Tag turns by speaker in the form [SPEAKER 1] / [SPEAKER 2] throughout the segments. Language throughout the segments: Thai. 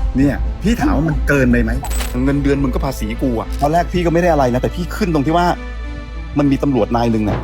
[SPEAKER 1] เนี่ยพี่ถามว่ามันเกินไปไหมเงินเดือนมึงก็ภาษีกูอะตอนแรกพี่ก็ไม่ได้อะไรนะแต่พี่ขึ้นตรงที่ว่ามันมีตำรวจนายหนึ่งเนี่ย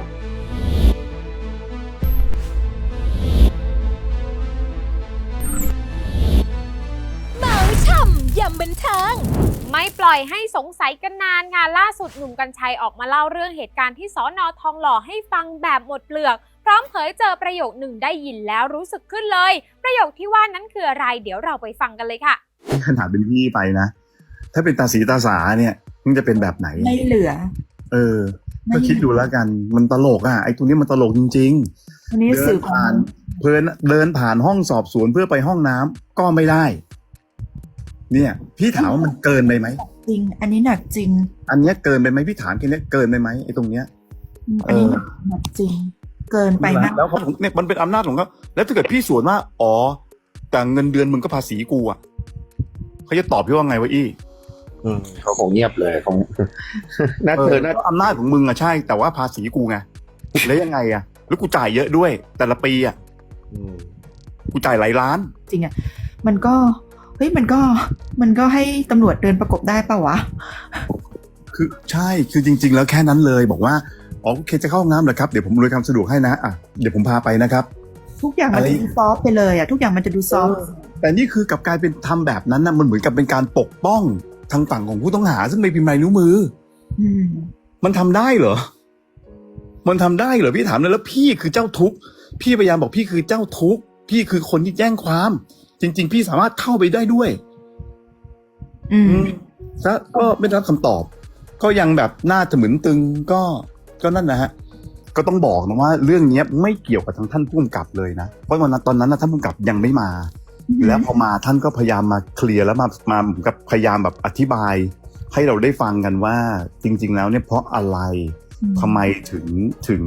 [SPEAKER 2] เมาช่ำยำบันเทิงไม่ปล่อยให้สงสัยกันนานค่ะล่าสุดหนุ่มกรรชัยออกมาเล่าเรื่องเหตุการณ์ที่สน.ทองหล่อให้ฟังแบบหมดเปลือกพร้อมเผยเจอประโยคหนึ่งได้ยินแล้วรู้สึกขึ้นเลยประโยคที่ว่านั้นคืออะไรเดี๋ยวเราไปฟังกันเลยค่ะ
[SPEAKER 1] ขนาดเป็นพี่ไปนะถ้าเป็นตาสีตาสาเนี่ยมันจะเป็นแบบไหน
[SPEAKER 3] ไม่เหลือ
[SPEAKER 1] ก็คิดดูแล้วกันมันตลกอ่ะไอ้ตัวนี้มันตลกจริง
[SPEAKER 3] ๆวันนี้สื่อผ่าน
[SPEAKER 1] เดินผ่านห้องสอบสวนเพื่อไปห้องน้ำก็ไม่ได้เนี่ยพี่ถามว่ามันเกินไปไหม
[SPEAKER 3] จริงอันนี้หนักจริง
[SPEAKER 1] อันนี้เกินไปไหมพี่ถามแค่นี้เกินไปไหมไอ้ตรงเนี้ย
[SPEAKER 3] อันนี้หนักจริงเกินไปมาก
[SPEAKER 1] แล้วเขาเนี่ยมันเป็นอำนาจของเขาแล้วถ้าเกิดพี่สวนว่าอ๋อแต่เงินเดือนมึงก็ภาษีกูอ่ะเขาจะตอบพี่ว่าไงวะอี้
[SPEAKER 4] เขาคงเงียบเลยคงน่า
[SPEAKER 1] อำนาจของมึงอะใช่แต่ว่าภาษีกูไงแล้วยังไงอะแล้วกูจ่ายเยอะด้วยแต่ละปีอะกูจ่ายหลายล้าน
[SPEAKER 3] จริงอะมันก็ให้ตำรวจเดินประกบได้ป่าวะ
[SPEAKER 1] คือใช่คือจริงๆแล้วแค่นั้นเลยบอกว่าอ๋อโอเคจะเข้าห้องน้ำเหรอครับเดี๋ยวผมอำนวยความสะดวกให้นะอ่ะเดี๋ยวผมพาไปนะครับ
[SPEAKER 3] ทุกอย่างมันจะดูซอฟต์ไปเลยอะทุกอย่างมันจะดูซอฟต์
[SPEAKER 1] แต่นี่คือกลับกลายเป็นทำแบบนั้นนะมันเหมือนกับเป็นการปกป้องทางฝั่งของผู้ต้องหาซึ่งไม่พิมพ์ลายนิ้วมือมันทำได้เหรอมันทำได้เหรอพี่ถามเลยแล้วพี่คือเจ้าทุกข์พี่พยายามบอกพี่คือเจ้าทุกข์พี่คือคนที่แจ้งความจริงๆพี่สามารถเข้าไปได้ด้วยแล้วก็ไม่ได้รับคำตอบก็ยังแบบน่าจะเหมือนตึงก็นั่นนะฮะก็ต้องบอกนะว่าเรื่องนี้ไม่เกี่ยวกับทางท่านผู้กำกับเลยนะเพราะตอนนั้นท่านผู้กำกับยังไม่มาแล้วพอมาท่านก็พยายามมาเคลียร์แล้วมาเหมือนกับพยายามแบบอธิบายให้เราได้ฟังกันว่าจริงๆแล้วเนี่ยเพราะอะไรทำไมถึง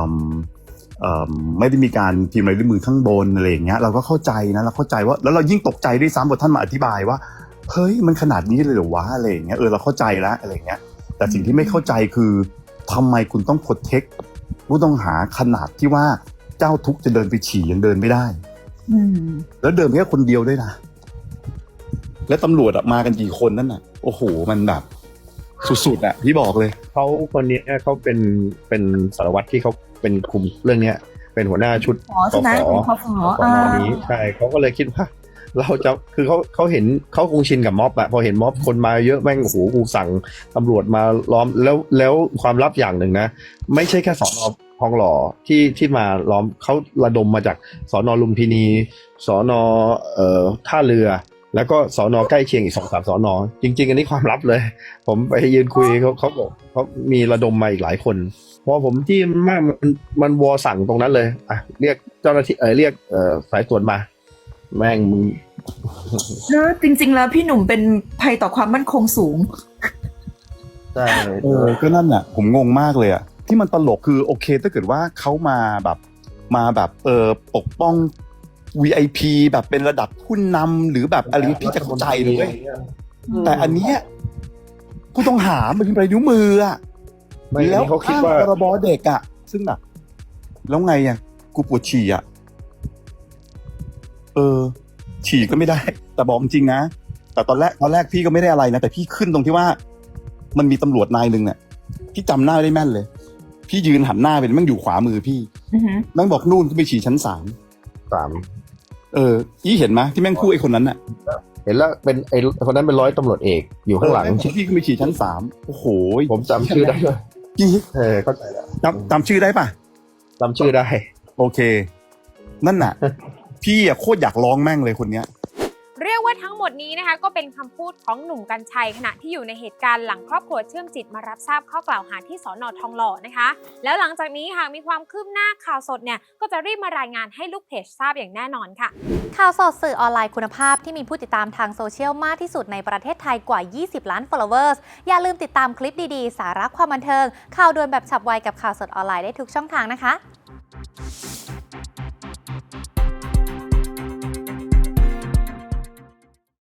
[SPEAKER 1] ไม่ได้มีการพิมพ์ลายนิ้วมือข้างบนอะไรอย่างเงี้ยเราก็เข้าใจนะเราเข้าใจว่าแล้วเรายิ่งตกใจด้วยซ้ำพอท่านมาอธิบายว่าเฮ้ยมันขนาดนี้เลยเหรอวะอะไรอย่างเงี้ยเราเข้าใจแล้วอะไรอย่างเงี้ยแต่สิ่งที่ไม่เข้าใจคือทำไมคุณต้องโปรเทคผู้ต้องหาขนาดที่ว่าเจ้าทุกข์จะเดินไปฉี่ยังเดินไม่ได้แล้วเดินแค่คนเดียวด้วยนะแล้วตำรวจมากันกี่คนนั่นน่ะโอ้โหมันแบบสุดๆอ่ะพี่บอกเลย
[SPEAKER 4] เขาคนนี้เขาเป็นสารวัตรที่เขาเป็นคุมเรื่องเนี้ยเป็นหัวหน้าชุด
[SPEAKER 3] สน
[SPEAKER 4] นี้ใช่เขาก็เลยคิดว่าเราจะคือเขาเห็นเขาคงชินกับม็อบอะพอเห็นม็อบคนมาเยอะแม่งโอ้โหกูสั่งตำรวจมาล้อมแล้วความลับอย่างหนึ่งนะไม่ใช่แค่สน.ทองหล่อที่มาล้อมเขาระดมมาจากสน.ลุมพินีสน.ท่าเรือแล้วก็สน.ใกล้เคียงอีก 2-3 สน.จริงๆอันนี้ความลับเลยผมไปยืนคุยเขาบอกเขามีระดมมาอีกหลายคนเพราะผมที่มันวอสั่งตรงนั้นเลยอ่ะเรียกเจ้าหน้าที่เรียกสายตรวจมาแม่งมึง
[SPEAKER 3] จริงๆแล้วพี่หนุ่มเป็นภัยต่อความมั่นคงสูง
[SPEAKER 4] ใช่
[SPEAKER 1] ก็นั่นน่ะผมงงมากเลยอ่ะที่มันตลกคือโอเคถ้าเกิดว่าเขามาแบบปกป้อง VIP แบบเป็นระดับผู้นำหรือแบบอะไรพี่จะเข้าใจเลยแต่อันเนี้ยผู้ต้องหามันเป็นนิ้วมืออ่ะแล้วเขาคิดว่าพรบเด็กอ่ะซึ่งแบบแล้วไงอ่ะกูปวดฉี่อ่ะฉี่ก็ไม่ได้แต่บอกจริงนะแต่ตอนแรกพี่ก็ไม่ได้อะไรนะแต่พี่ขึ้นตรงที่ว่ามันมีตำรวจนายหนึ่งเนี่ยพี่จำหน้าได้แม่นเลยพี่ยืนหันหน้าเป็นแม่งอยู่ขวามือพี่แม่งบอกนู่นขึ้นไปฉี่ชั้น3ยี่เห็นไหมที่แม่งคู่ไอ้คนนั้นน่ะ
[SPEAKER 4] เห็นแล้วเป็นไอ้คนนั้นเป็นร้อยตำรวจเอกอยู่ข้างหลัง
[SPEAKER 1] พี่ขึ้นไปฉี่ชั้น3โอ้โห
[SPEAKER 4] ผมจำชื่อได้ด้วยเข้าใจแล้ว
[SPEAKER 1] จำชื่อได้ป่ะ
[SPEAKER 4] จำชื่อได้
[SPEAKER 1] โอเคนั่นน่ะพี่โคตรอยากร้องแม่งเลยคนเนี้ย
[SPEAKER 2] เรียกว่าทั้งหมดนี้นะคะก็เป็นคำพูดของหนุ่มกรรชัยขณะที่อยู่ในเหตุการณ์หลังครอบครัวเชื่อมจิตมารับทราบข้อกล่าวหาที่สน.ทองหล่อนะคะแล้วหลังจากนี้หากมีความคืบหน้าข่าวสดเนี่ยก็จะรีบมารายงานให้ลูกเพจทราบอย่างแน่นอนค่ะ
[SPEAKER 5] ข่าวสดสื่อออนไลน์คุณภาพที่มีผู้ติดตามทางโซเชียลมากที่สุดในประเทศไทยกว่า20 ล้าน followers อย่าลืมติดตามคลิปดีๆสาระความบันเทิงข่าวด่วนแบบฉับไวกับข่าวสดออนไลน์ได้ทุกช่องทางนะคะ